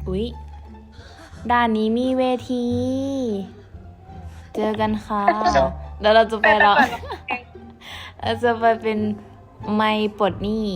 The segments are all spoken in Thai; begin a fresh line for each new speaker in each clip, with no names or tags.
อุ๊ยด่านนี้มีเวที เจอกันค่ะเดี๋ยวเราจะไปร้องเราจะไปเป็นไมค์ปลดหนี้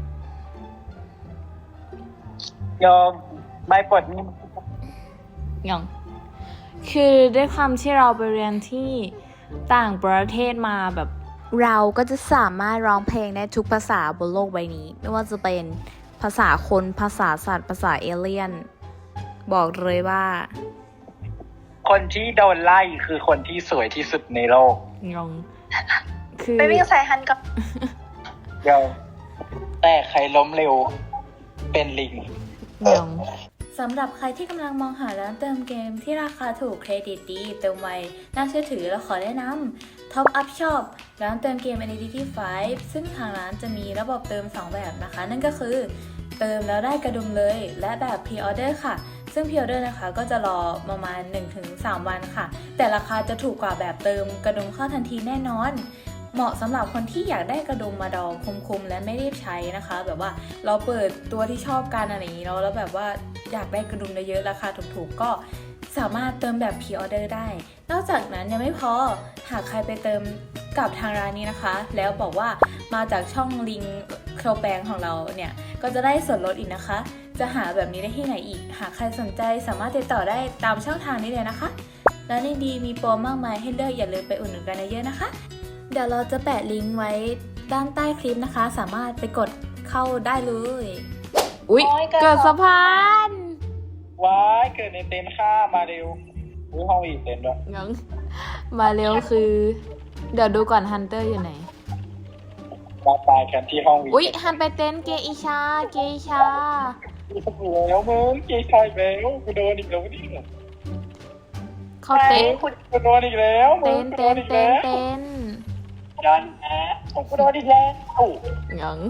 ยอมไม่ปลดหนี้
ยังคือด้วยความที่เราไปเรียนที่ต่างประเทศมาแบบเราก็จะสามารถร้องเพลงได้ทุกภาษาบนโลกใบนี้ ไม่ว่าจะเป็นภาษาคนภาษาสัตว์ภาษาเอเลี่ยน บอกเลยว่า
คนที่โดนไล่คือคนที่สวยที่สุดในโลก
งงคือ
ไปวิ่งใส่ฮันกับ
เดี๋ยวแต่ใครล้มเร็วเป็นลิง
งงสำหรับใครที่กำลังมองหาร้านเติมเกมที่ราคาถูกเครดิตดีเติมไวน่าเชื่อถือเราขอแนะนำ Top Up Shop ร้านเติมเกม Identity 5 ซึ่งทางร้านจะมีระบบเติม 2 แบบนะคะ นั่นก็คือเติมแล้วได้กระดุมเลยและแบบ Pre-order ค่ะ ซึ่ง Pre-order นะคะก็จะรอประมาณ 1-3 วันค่ะ แต่ราคาจะถูกกว่าแบบเติมกระดุมเข้าทันทีแน่นอน เหมาะสำหรับคนที่อยากได้กระดุมมาดองคุ้มๆและไม่รีบใช้นะคะ แบบว่าเราเปิดตัวที่ชอบกันอะไรอย่างนี้แล้วแบบว่าอยากได้กระดุมเยอะๆราคาถูกๆก็สามารถเติมแบบ Pre-order ได้ นอกจากนั้นยังไม่พอหากใครไปเติมกับทางร้านนี้นะคะ แล้วบอกว่ามาจากช่องลิงโครแปงของเราเนี่ยก็จะได้ส่วนลดอีกนะคะ จะหาแบบนี้ได้ที่ไหนอีกหากใครสนใจสามารถติดต่อได้ตามช่องทางนี้เลยนะคะและในดีมีโปรมากมายให้เลือกอย่าลืมไปอุดหนุนกันเยอะๆนะคะเดี๋ยวเราจะแปะลิงก์ไว้ด้านใต้คลิปนะคะ สามารถไปกดเข้าได้เลย อุ๊ย เกิดสะพาน
ว้ายเกิดในเต็นท์ค่ะมาเร็วอุ้ยห้องอีกเต็นท์ด้วย
งั้นมาเร็วคือ เดี๋ยวดูก่อนฮันเตอร์อยู่ไหน
มาตายกันที่ห้องวี
อุ๊ยฮันไปเต้นเกอิชา เกอิชา
แล้วมึงเกย์ชายแล้วกูโดนอีกแล้วนี่
เขาเต้น
กูโดนอีกแล้วมึ
เต้
ง
น
กูโด
เต้น
นอีก
เต้น
แล้ว
เต้น
ยันแอะกูโดนอีกแล้ว
งั้น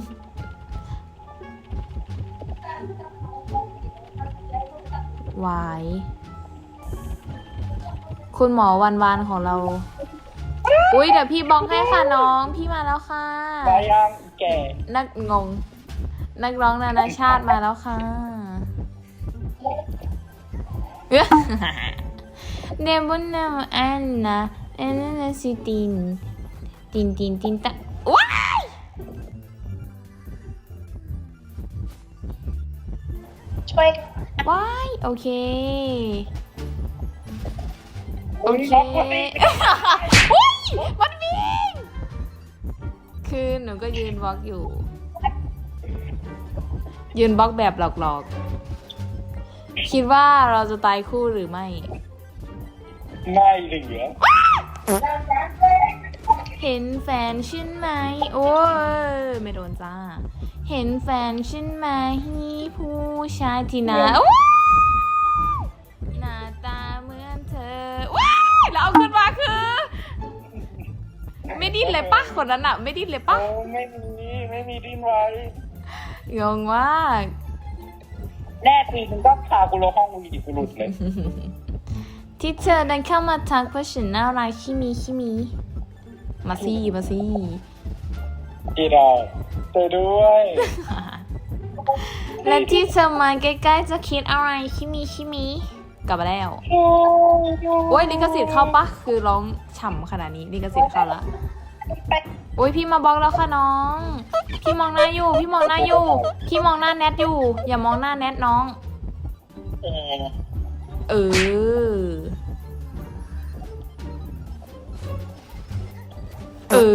วายคุณหมอวันของเรา อุ๊ยเดี๋ยวพี่บองให้ค่ะน้องพี่มาแล้วค่ะ
มายังแก่
นักงง นักร้องนานาชาติมาแล้วค่ะเดบุนนาอันนะอันนั้นสิตินตะว้าย
ช่วย
ว้ายโอเค โอ
อุ้ย
เค
น้องคนนี้
อุ๊ยมันวิ่งคือหนูก็ยืนบล็อกอยู่ ยืนบล็อกแบบหลอกๆ คิดว่าเราจะตายคู่หรือไม่
ไม่เหลือ
เห็นแฟนฉันไหม โอ้ยไม่โดนจ้า เห็นแฟนฉันไหมผู้ชายที่หน้าโอ้ยหน้าตาเหมือนเธอว้ายแล้วเอาขึ้นมาคือ ไม่ดิ้นเลยปะคนนั้นอะไม่ดิ้นเลยปะ
โอ้ไม่มีดิ้นไว้
งงมาก
แน่จริงมึงก็พากูลงห้องวีดิกูหลุดเลย
ที่เธอเดินเข้ามาทักเพราะฉันน่ารักขี้มีมาซี่
ที่เราเจอด้วย
และที่เธอมาใกล้ๆจะคิดอะไรขี้มีกลับมาแล้ว โอ้ยลิขสิทธิ์เข้าปะคือร้องฉ่ำขนาดนี้ลิขสิทธิ์เข้าละโอ้ยพี่มาบล็อกแล้วค่ะน้อง พี่มองหน้าอยู่ พี่มองหน้าแนทอยู่ อย่ามองหน้าแนทน้อง เออ เอ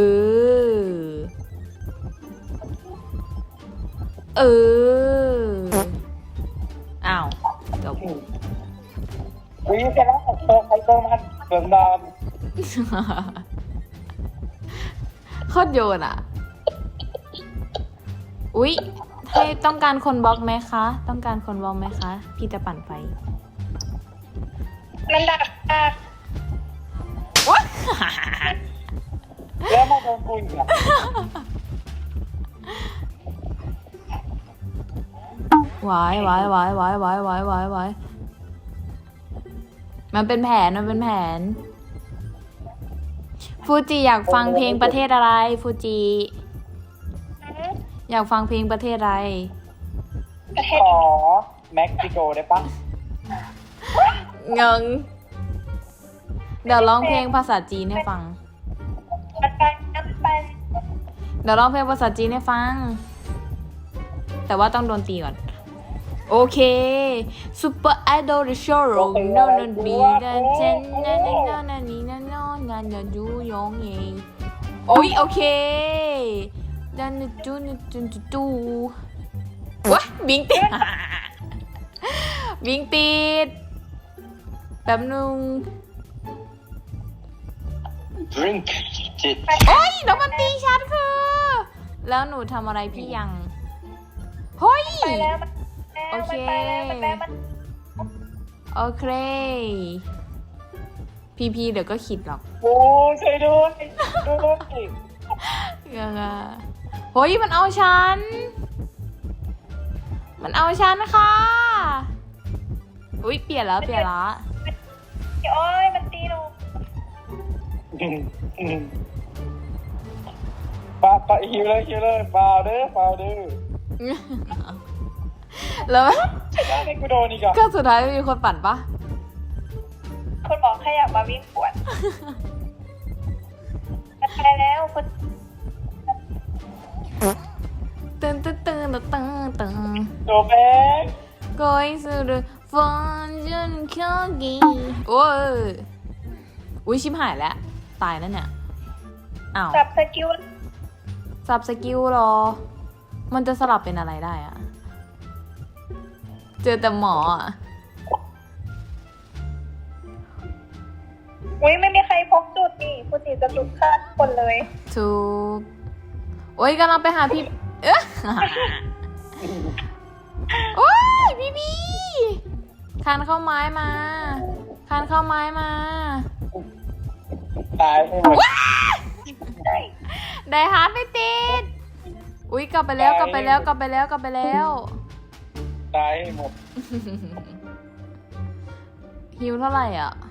อ อ้าวจบ
อุ้ยเสร็จแล้วเติมใครเติมมันเติมดอน
โคตรโยนอ่ะ อุ๊ยให้ต้องการคนบล็อกไหมคะ ต้องการคนบล็อกไหมคะ พี่จะปั่นไฟ
มันดัก
ว้า
แล้วมาโดนกูอีกอ่ะ
วายมันเป็นแผนฟูจิอยากฟังเพลงประเทศอะไร ฟูจิอยากฟังเพลงประเทศอะไร
ประเทศ
ขอเม็กซิโกได้ปะ
เงิงเดี๋ยวร้องเพลงภาษาจีนให้ฟัง
มันไปน้ำไป
เดี๋ยวร้องเพลงภาษาจีนให้ฟัง แต่ว่าต้องโดนตีก่อน โอเค Super Idol The Show โนนบีกันเจนนันนันนันนี่นันนอนนันนันยูยองเยโอ้ยโอเคดันจูนจูนจูวะบิงติด บิงติดแป๊บนึง
drink จิต
โอ้ยแล้วมันตีฉันคือ แล้วหนูทำอะไรพี่ยังเฮ้ย
ไปแล้วมัน
โอเค
ไปแล้วมันไปแล้วมัน
โอเค พีเดี๋ยวก็ขิดหรอก
โอ้ช่วยด้วยด้วย
ยังไงเฮ้ยมันเอาฉัน มันเอาฉันค่ะ อุ้ยเปลี่ยนแล้วเปลี่ยนแล้ว
โอ้ยมันตีหนู
ปาฮิวเลยเปล่าเด้อ
แล้ว
ได้ให้กูโดนอีกอ่ะ
ก็สุดท้ายไม่มีคนปั่นปะ
คุณหมอแค่อยากมาวิ่งปวดมันไปแล้วคุณ
ตึง
โดนแบ๊ก
Going through the fortune cookie โอ้ยอุ้ยชิบหายแล้ว ตายแล้วเนี่ย อ้าว
จับสกิล
สับสกิลเหรอ มันจะสลับเป็นอะไรได้อะเจอแต่หมออะ
อุ้ยไม่มีใครพกจุดนี่คุณสีจะจุดฆ่าทุกคนเลย
ถูก โอ้ยกำลังไปหาพี่ เอ๊ะ โอ้ยพี่คานเข้าไม้มา คานเข้าไม้มา
ตายไปหมด
ไดฮาร์ดไม่ติด อุ้ยกลับไปแล้วกลับไปแล้ว
ตายให้หมด
ฮิวเท่าไหร่อ่ะ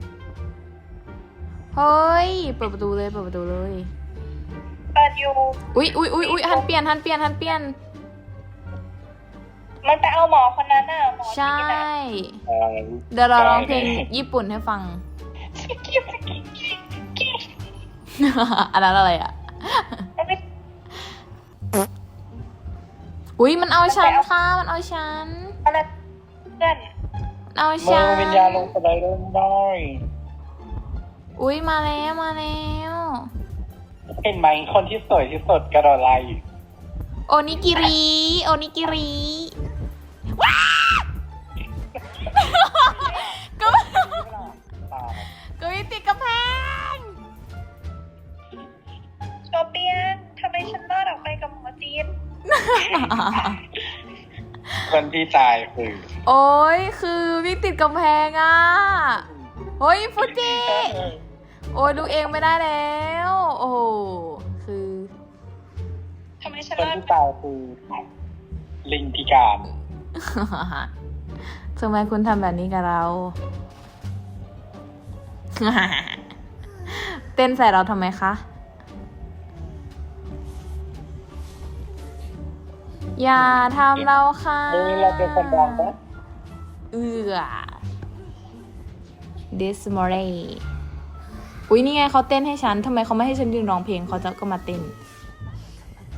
เฮ้ย เปิดประตูเลย
เปิดอยู่
อุ้ยหันเปลี่ยน
มันไปเอาหมอคนนั้นน่ะหมอ
ใช่
ที่น่ะ
เดี๋ยวเราร้องเพลงญี่ปุ่นให้ฟัง อันนั้นอะไรอ่ะ
มันไม่
อุ้ยมันเอาฉันค่ะ มันเอาฉัน
อะไรเพื่อน
มันเอา
มื
ฉั
อน วิญญาณลงสไลเดอร์ได้
อุ้ยมาแล้ว
เห็นไหมคนที่สวยที่สุดกระโดดไล่
โอนิกิริว้าก็ยังติดกำแพง
โชเปียนทำไมฉันรอดออกไปกับหมอจีน
คนที่ตายคือ
โอ้ยคือวิ่งติดกำแพงอ่ะเฮ้ยฟูจิ โอ้ยดูเองไม่ได้แล้ว โอ้โหคือ
ทำไมฉัน
คน
รอด
ที่ตายคือลิงพิการ
ทำไมคุณทำแบบนี้กับเรา เต้นใส่เราทำไมคะ อย่าทำเราค่ะ
นี่เราเป็นคนดังปะ
This morning อุ๊ยนี่ไงเขาเต้นให้ฉัน ทำไมเขาไม่ให้ฉันยืนร้องเพลงเขาจะก็มาเต้น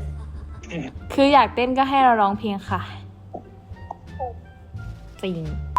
คืออยากเต้นก็ให้เราร้องเพลงค่ะ จริง